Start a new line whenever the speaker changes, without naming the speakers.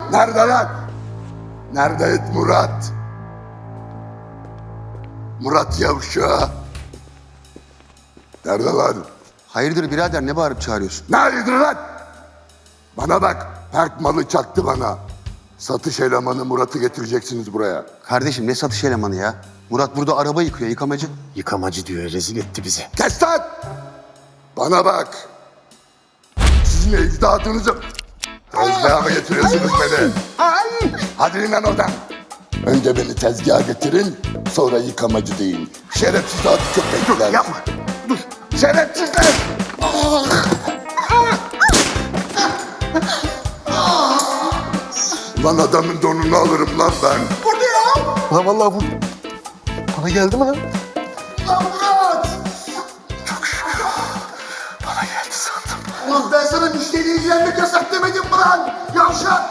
Nerede lan? Nerede Murat? Murat yavşağı. Nerede lan?
Hayırdır birader, ne bağırıp çağırıyorsun?
Nerededir lan? Bana bak, Perk malı çaktı bana. Satış elemanı Murat'ı getireceksiniz buraya.
Kardeşim ne satış elemanı ya? Murat burada araba yıkıyor, yıkamacı.
Yıkamacı diyor, rezil etti bizi.
Kes lan! Bana bak. Sizin ecdadınızı... Tezgaha mı getiriyorsunuz beni? Hadi in lan oradan. Önce beni tezgaha getirin, sonra yıkamacı deyin. Şerefsiz adı köpekler.
Yapma, dur.
Şerefsizler! Lan adamın donunu alırım lan ben.
Lan vallahi bu... Bana geldi mi lan?
Lan Murat!
Bana geldi sandım.
Ulan ben sana müşteriyle ilgilenmek yasak demedim mi lan? Yavşak!